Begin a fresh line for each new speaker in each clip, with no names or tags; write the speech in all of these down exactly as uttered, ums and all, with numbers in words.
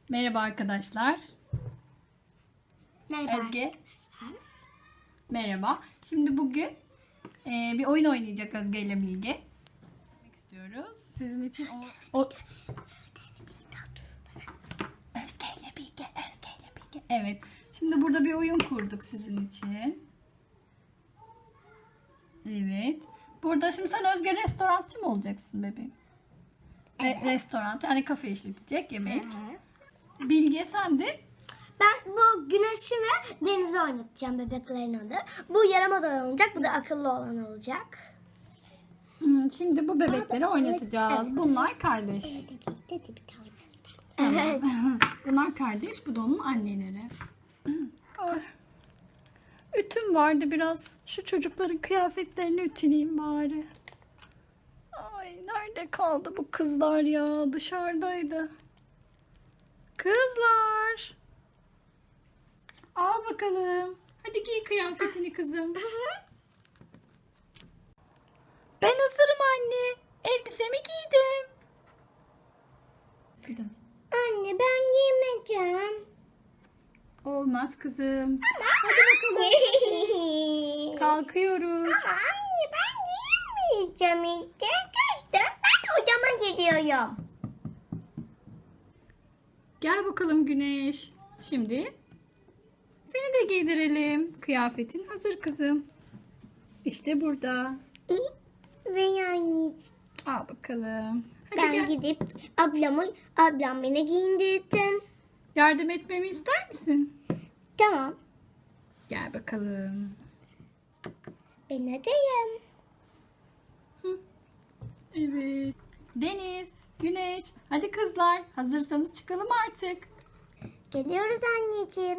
Merhaba arkadaşlar.
Merhaba
Özge.
arkadaşlar.
Merhaba. Şimdi bugün e, bir oyun oynayacak Özge ile Bilge. Demek istiyoruz. Sizin için o, o... Özge ile Bilge, Özge ile Bilge. Evet. Şimdi burada bir oyun kurduk sizin için. Evet. Burada şimdi sen Özge restorançı mı olacaksın bebeğim? Re-
Evet.
restoran, yani kafe işletecek yemek.
Hı hı.
Bilge sen de
Ben bu güneşi ve denizi oynatacağım, bebeklerin adı. Bu yaramaz olan olacak, bu da akıllı olan olacak.
Hmm, şimdi bu bebekleri
Aa,
oynatacağız.
evet.
Bunlar kardeş.
Evet.
Bunlar kardeş, bu da onun anneleri. Ay. Ütüm vardı biraz. Şu çocukların kıyafetlerini ütüleyeyim bari. Ay, nerede kaldı bu kızlar ya? Dışarıdaydı. Kızlar. Al bakalım. Hadi giy kıyafetini kızım. Ben hazırım anne. Elbisemi giydim.
Anne ben giymeyeceğim.
Olmaz kızım. Hadi bakalım. Kalkıyoruz.
Anne ben giymeyeceğim işte. Kızdım, ben odama gidiyorum.
Gel bakalım Güneş. Şimdi seni de giydirelim. Kıyafetin hazır kızım. İşte burada.
Ve yani
Al bakalım. Hadi
ben
gel.
gidip ablamı, ablam beni giyindirsin.
Yardım etmemi ister misin?
Tamam.
Gel bakalım.
Ben adayım.
Evet. Deniz, Güneş. Hadi kızlar. Hazırsanız çıkalım artık.
Geliyoruz anneciğim.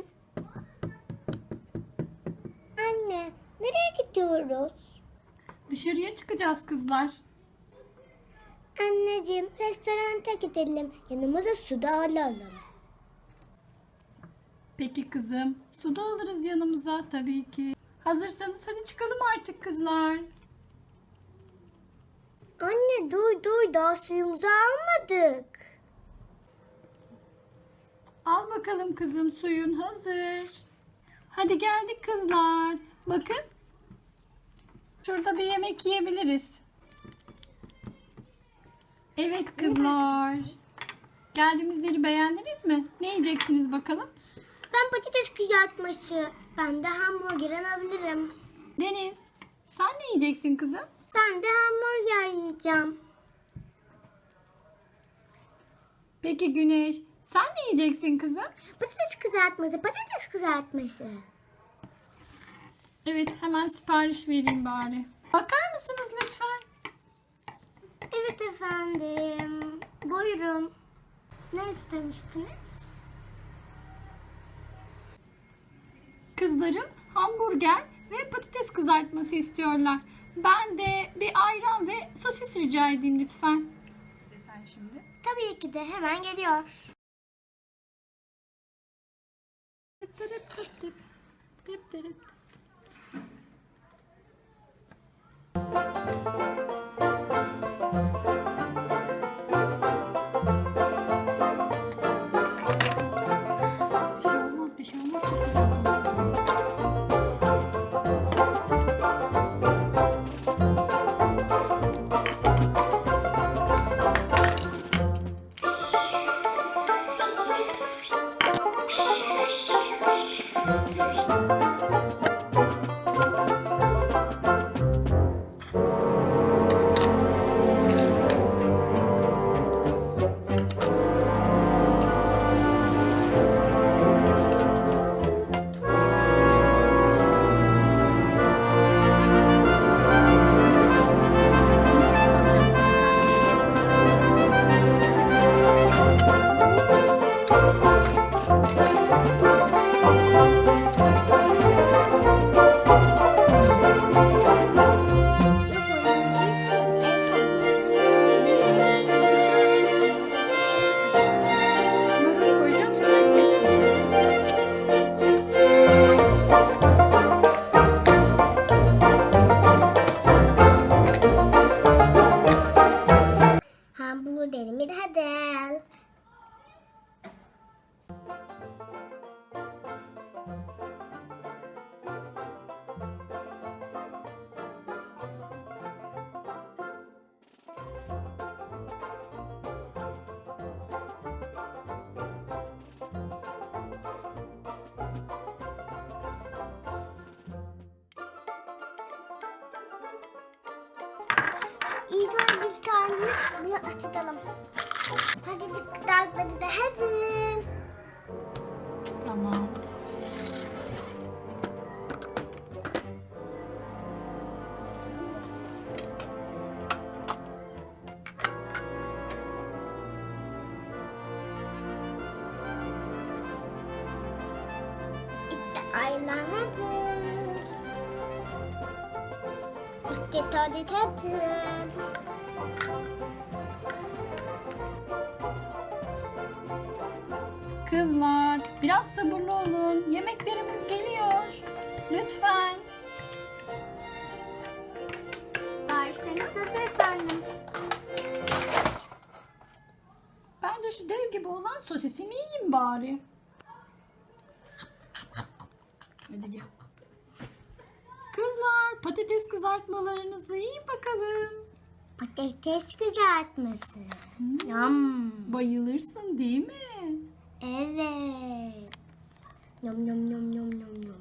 Anne, nereye gidiyoruz?
Dışarıya çıkacağız kızlar.
Anneciğim, restoranta gidelim. Yanımıza su da alalım.
Peki kızım. Su da alırız yanımıza tabii ki. Hazırsanız hadi çıkalım artık kızlar.
Anne, duy duy, daha suyumuzu almadık.
Al bakalım kızım, suyun hazır. Hadi geldik kızlar. Bakın. Şurada bir yemek yiyebiliriz. Evet kızlar. Geldiğimiz yeri beğendiniz mi? Ne yiyeceksiniz bakalım?
Ben patates kızartması. Ben de hamburger alabilirim.
Deniz, sen ne yiyeceksin kızım?
Ben de hamburger yiyeceğim.
Peki Güneş, sen ne yiyeceksin kızım?
Patates kızartması, patates kızartması.
Evet, hemen sipariş vereyim bari. Bakar mısınız lütfen?
Evet efendim. Buyurun. Ne istemiştiniz?
Kızlarım hamburger ve patates kızartması istiyorlar. Ben de bir ayran ve sosis rica edeyim lütfen. Sen şimdi.
Tabii ki de hemen geliyor.
Tıp tırıp tıp tıp. Tıp tırıp tıp. Bir şey olmaz, bir şey olmaz. Çok güzel.
İyi doğru bir tane bunu açalım. Hadi dikkat hadi de hadi.
Tamam.
İşte aylar hazır. İşte tuvalet hazır.
Kızlar, biraz sabırlı olun. Yemeklerimiz geliyor. Lütfen.
Siparişleriniz hazır efendim.
Ben de şu dev gibi olan sosisimi yiyeyim bari. Hadi gel. Kızlar, patates kızartmalarınızı yiyin bakalım.
Patates kızartması. Yum.
Bayılırsın değil mi?
Evet. Yum yum yum yum yum yum.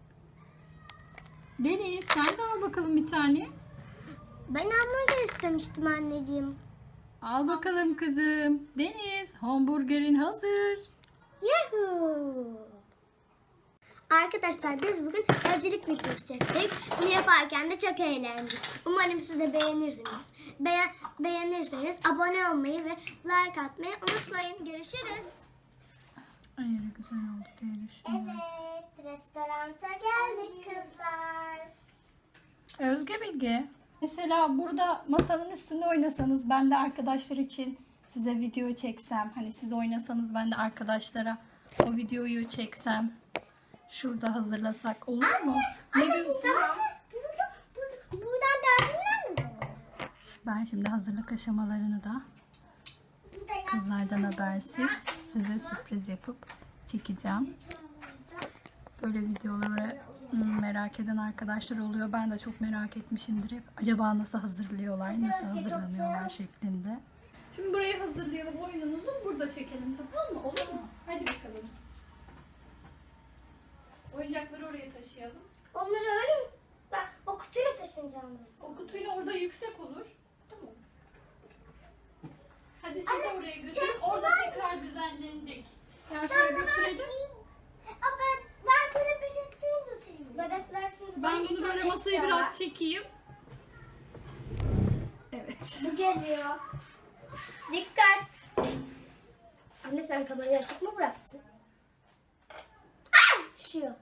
Deniz, sen de al bakalım bir tane.
Ben hamburger istemiştim anneciğim.
Al bakalım kızım. Deniz, hamburgerin hazır.
Yahoo! Arkadaşlar biz bugün evcilik videosu çektik. Bunu yaparken de çok eğlendik. Umarım siz de beğenirsiniz. Beğen beğenirseniz abone olmayı ve like atmayı unutmayın. Görüşürüz.
Ay ne güzel oldu diyelim.
Evet, restoranta geldik kızlar.
Özge Bilge. Mesela burada masanın üstünde oynasanız ben de arkadaşlar için size video çeksem. Hani siz oynasanız ben de arkadaşlara o videoyu çeksem. Şurada hazırlasak olur mu? Ne diyorsun?
Tamam. Burada, burada, buradan derdinler mi?
Ben şimdi hazırlık aşamalarını da
Burada ya.
kızlardan habersiz size sürpriz yapıp çekeceğim. Böyle videoları hmm, merak eden arkadaşlar oluyor. Ben de çok merak etmişimdir hep. Acaba nasıl hazırlıyorlar, nasıl hazırlanıyorlar şeklinde. Şimdi burayı hazırlayalım. Oyunumuzu burada çekelim, tamam mı? Olur mu? Hadi bakalım. Oyuncakları oraya taşıyalım.
Onları öyle mi? Ben o kutuyla taşınacağım biz.
O kutuyla orada yüksek olur. Tamam. Hadi siz de oraya götürün. Orada tekrar düzenlenecek. Yani şöyle götürelim.
Aa, ben, ben böyle bebekleri götüreyim. Bebekler şimdi
Ben bunu böyle masayı
istiyorlar.
biraz çekeyim. Evet.
Bu geliyor. Dikkat. Anne sen kamerayı açık mı bıraktın? Aa, düşüyor.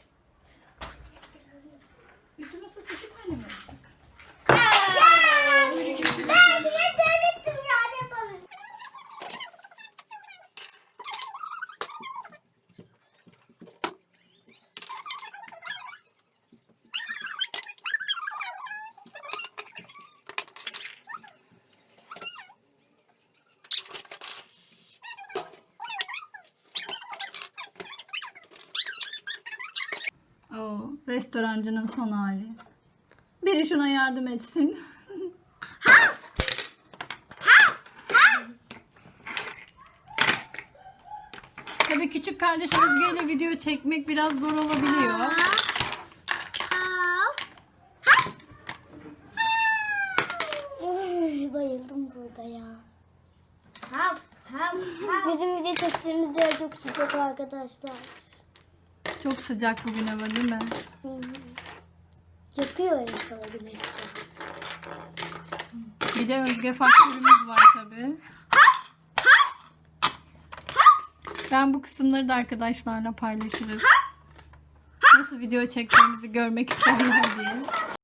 Ütü masası iki tane mi olacak?
Ya!
Öyle götürelim.
Ben niye denedim ya ne yapalım?
Oo, restorancının son hali. Biri şuna yardım etsin. Tabii küçük kardeş Özge ile video çekmek biraz zor olabiliyor.
Aa, Ay, bayıldım burada ya. Haf, haf, haf. Bizim video çektiğimiz yer çok sıcak arkadaşlar.
Çok sıcak bugün hava değil mi?
Hı hı. Yakıyor insanı güneşi.
Bir de Özge faktörümüz var tabii. Ben bu kısımları da arkadaşlarla paylaşırız. Nasıl video çektiğimizi görmek isterler diye.